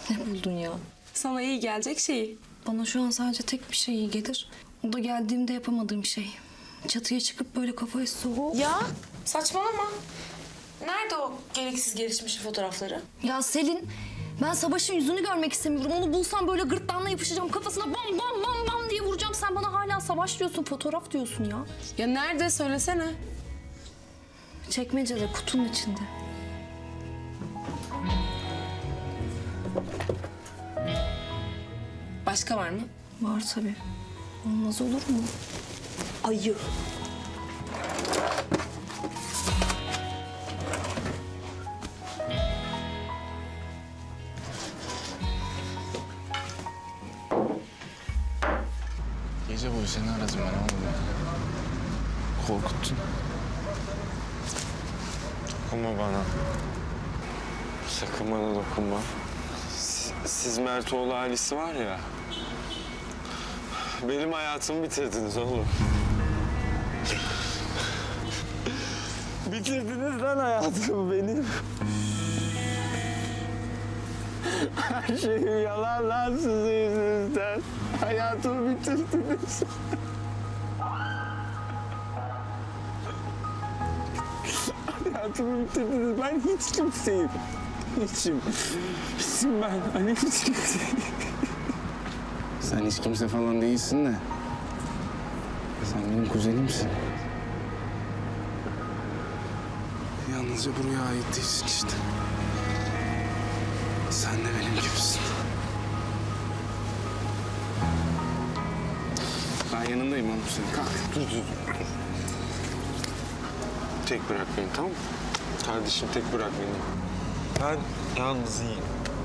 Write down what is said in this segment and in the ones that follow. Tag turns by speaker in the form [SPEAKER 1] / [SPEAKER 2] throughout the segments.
[SPEAKER 1] Ne buldun ya?
[SPEAKER 2] Sana iyi gelecek şeyi.
[SPEAKER 1] Bana şu an sadece tek bir şey iyi gelir. O da geldiğimde yapamadığım şey. Çatıya çıkıp böyle kafayı soğuk.
[SPEAKER 2] Ya saçmalama. Nerede o gereksiz gelişmiş fotoğrafları?
[SPEAKER 1] Ya Selin, ben Savaş'ın yüzünü görmek istemiyorum. Onu bulsam böyle gırtlağına yapışacağım. Kafasına bam bam bam bam diye vuracağım. Sen bana hala Savaş diyorsun, fotoğraf diyorsun ya.
[SPEAKER 2] Ya nerede söylesene.
[SPEAKER 1] Çekmecede, kutunun içinde.
[SPEAKER 2] Başka var mı?
[SPEAKER 1] Var tabii. Olmaz olur mu? Ayı.
[SPEAKER 3] Gece boyu seni aradım ben oğlum ya. Korkuttun.
[SPEAKER 4] Dokunma bana. Sakın bana dokunma. Siz Mertoğlu ailesi var ya. Benim hayatımı bitirdiniz oğlum. Bitirdiniz lan hayatımı benim. Her şeyim yalan lan sizin yüzünüzden. Hayatımı bitirdiniz. Hayatımı bitirdiniz. Ben hiç kimseyim. Hiçim. Hiçim ben. Hani hiç kimseyim.
[SPEAKER 3] Sen hiç kimse falan değilsin de. Sen benim kuzenimsin. Yalnızca buraya ait değilsin işte. Sen de benim gibisin. Ben yanındayım oğlum senin. Kalk.
[SPEAKER 4] Dur. Tek bırak beni, tamam mı? Kardeşim tek bırak beni. Ben yalnız iyiyim.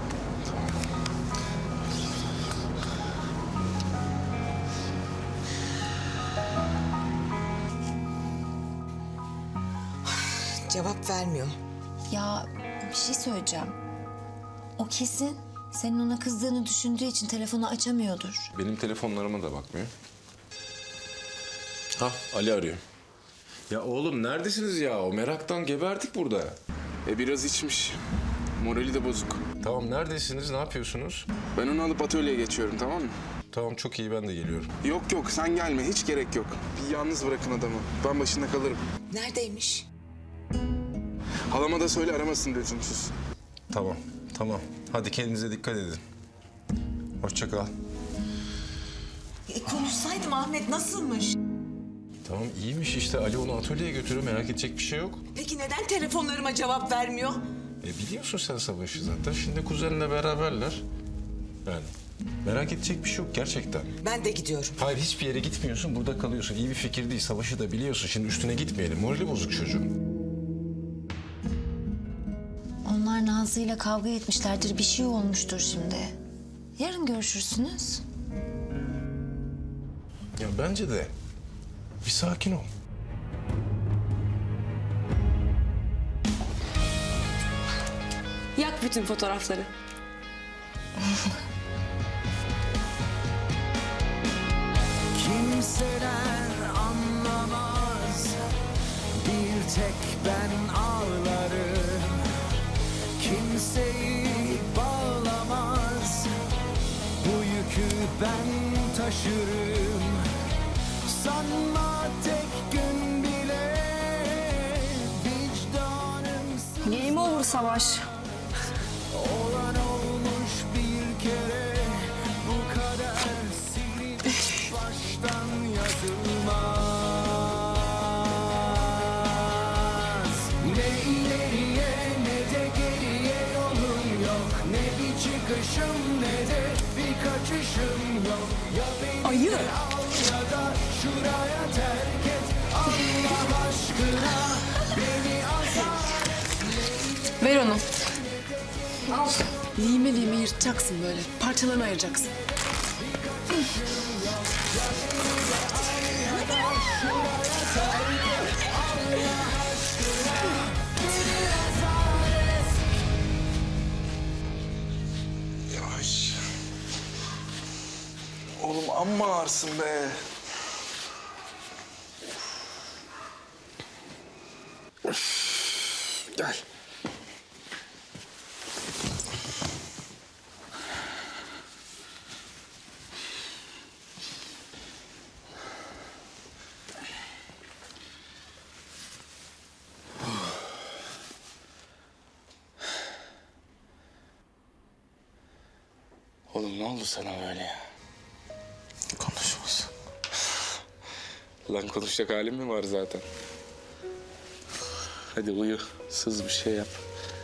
[SPEAKER 5] Cevap vermiyor.
[SPEAKER 6] Ya bir şey söyleyeceğim. O kesin senin ona kızdığını düşündüğü için telefonu açamıyordur.
[SPEAKER 7] Benim telefonlarıma da bakmıyor. Ha, Ali arıyor. Ya oğlum neredesiniz ya? O meraktan geberdik burada.
[SPEAKER 3] Biraz içmiş. Morali de bozuk.
[SPEAKER 7] Tamam neredesiniz? Ne yapıyorsunuz?
[SPEAKER 3] Ben onu alıp atölyeye geçiyorum, tamam mı?
[SPEAKER 7] Tamam çok iyi ben de geliyorum.
[SPEAKER 3] Yok sen gelme, hiç gerek yok. Bir yalnız bırakın adamı. Ben başında kalırım.
[SPEAKER 5] Neredeymiş?
[SPEAKER 3] Halama da söyle aramasın lüzumsuz.
[SPEAKER 7] Tamam. Hadi kendinize dikkat edin. Hoşça kal.
[SPEAKER 5] Konuşsaydım Ahmet nasılmış?
[SPEAKER 7] Tamam iyiymiş işte. Ali onu atölyeye götürüyor. Merak edecek bir şey yok.
[SPEAKER 5] Peki neden telefonlarıma cevap vermiyor?
[SPEAKER 7] Biliyorsun sen Savaş'ı zaten. Şimdi kuzenle beraberler. Yani merak edecek bir şey yok gerçekten.
[SPEAKER 5] Ben de gidiyorum.
[SPEAKER 7] Hayır hiçbir yere gitmiyorsun. Burada kalıyorsun. İyi bir fikir değil. Savaş'ı da biliyorsun. Şimdi üstüne gitmeyelim. Morali bozuk çocuğun.
[SPEAKER 6] Onlar Nazlı'yla kavga etmişlerdir. Bir şey olmuştur şimdi. Yarın görüşürsünüz.
[SPEAKER 7] Ya bence de. Bir sakin ol.
[SPEAKER 2] Yak bütün fotoğrafları.
[SPEAKER 8] Kimseler anlamaz, bir tek ben ağlarım. Kimseyi bağlamaz, bu yükü ben taşırım. Sanma tek gün bile vicdanım
[SPEAKER 1] Game over Savaş.
[SPEAKER 8] olan olmuş bir kere, bu kadar silip baştan yazılmaz. Ne ileriye ne de geriye yolum yok, ne bir çıkışım ne de bir kaçışım yok. Ya beni
[SPEAKER 2] Ayı.
[SPEAKER 8] de al ya da şuraya terk et, Allah aşkına beni azar.
[SPEAKER 2] Ver onu. Al. Lime lime yırtacaksın böyle. Parçalarına ayıracaksın.
[SPEAKER 3] Yavaş. Oğlum amma ağırsın be. Gel. Oğlum ne oldu sana böyle ya?
[SPEAKER 7] Konuşmasın.
[SPEAKER 3] Lan konuşacak halim mi var zaten? Hadi uyu, sız bir şey yap.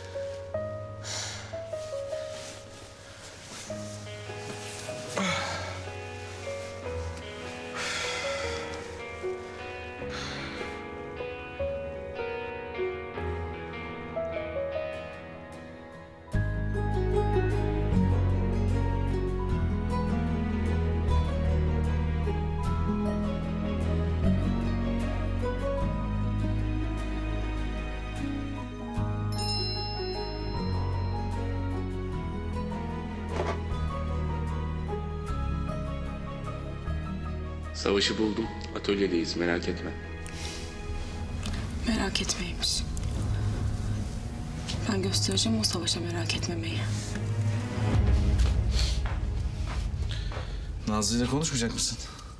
[SPEAKER 3] Savaşı buldum. Atölyedeyiz, merak etme.
[SPEAKER 2] Merak etmeymiş. Ben göstereceğim o Savaş'a merak etmemeyi.
[SPEAKER 9] Nazlı ile konuşmayacak mısın?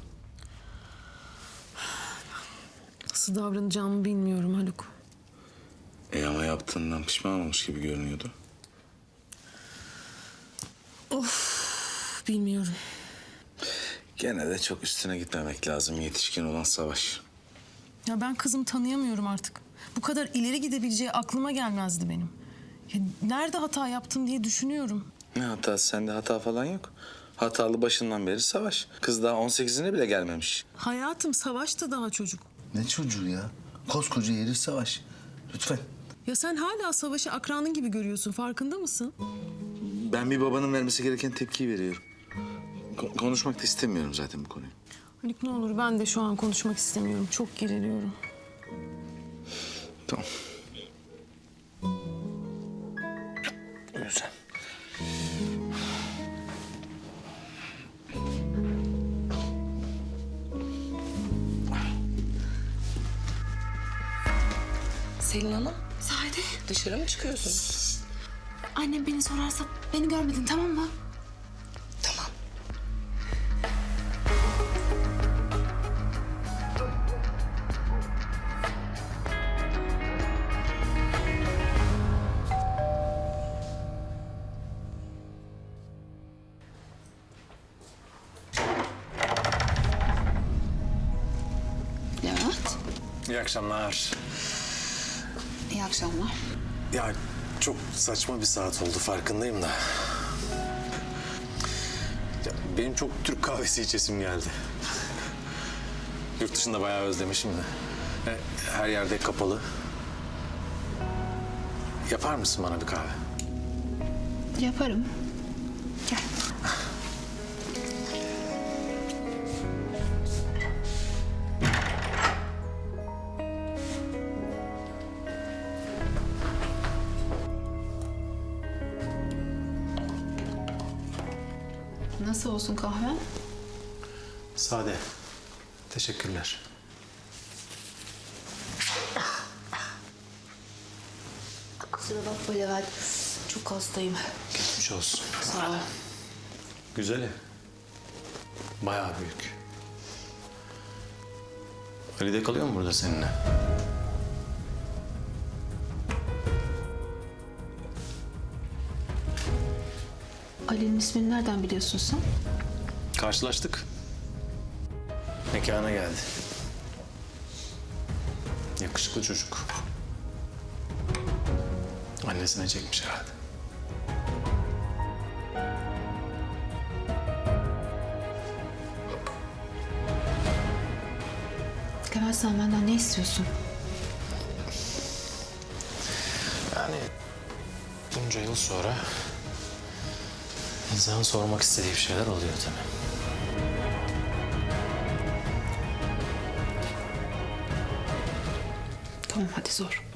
[SPEAKER 2] Nasıl davranacağımı bilmiyorum Haluk.
[SPEAKER 3] Ama yaptığından pişman olmuş gibi görünüyordu.
[SPEAKER 2] Bilmiyorum.
[SPEAKER 3] Gene de çok üstüne gitmemek lazım, yetişkin olan Savaş.
[SPEAKER 10] Ya ben kızım tanıyamıyorum artık. Bu kadar ileri gidebileceği aklıma gelmezdi benim. Ya nerede hata yaptım diye düşünüyorum.
[SPEAKER 3] Ne hatası? Sende hata falan yok. Hatalı başından beri Savaş. Kız daha 18'ine bile gelmemiş.
[SPEAKER 10] Hayatım, Savaş da daha çocuk.
[SPEAKER 9] Ne çocuğu ya? Koskoca herif Savaş. Lütfen.
[SPEAKER 10] Ya sen hala Savaş'ı akranın gibi görüyorsun, farkında mısın?
[SPEAKER 9] Ben bir babanın vermesi gereken tepkiyi veriyorum. Konuşmak da istemiyorum zaten bu konuyu.
[SPEAKER 10] Haluk ne olur, ben de şu an konuşmak istemiyorum. Çok geriliyorum.
[SPEAKER 3] Tamam. Uyu sen.
[SPEAKER 2] Selin Hanım. Sade. Dışarı mı çıkıyorsunuz?
[SPEAKER 6] Annem beni sorarsa beni görmedin, tamam mı?
[SPEAKER 2] Tamam.
[SPEAKER 6] Levent.
[SPEAKER 11] İyi akşamlar.
[SPEAKER 6] İyi akşamlar.
[SPEAKER 11] Ya çok saçma bir saat oldu farkındayım da. Ya, benim çok Türk kahvesi içesim geldi. Yurt dışında bayağı özlemişim de. Her yerde kapalı. Yapar mısın bana bir kahve?
[SPEAKER 6] Yaparım. Gel. Nasıl olsun kahve?
[SPEAKER 11] Sade. Teşekkürler.
[SPEAKER 6] Kusura bakma Levent. Çok hastayım.
[SPEAKER 11] Geçmiş olsun.
[SPEAKER 6] Sağ ol.
[SPEAKER 11] Güzel ev. Bayağı büyük. Ali de kalıyor mu burada seninle?
[SPEAKER 6] Ali'nin ismini nereden biliyorsun sen?
[SPEAKER 11] Karşılaştık. Mekana geldi. Yakışıklı çocuk. Annesine çekmiş herhalde.
[SPEAKER 6] Levent, sen benden ne istiyorsun?
[SPEAKER 11] Yani bunca yıl sonra insanın sormak istediği bir şeyler oluyor tabii.
[SPEAKER 6] Tamam, hadi sor.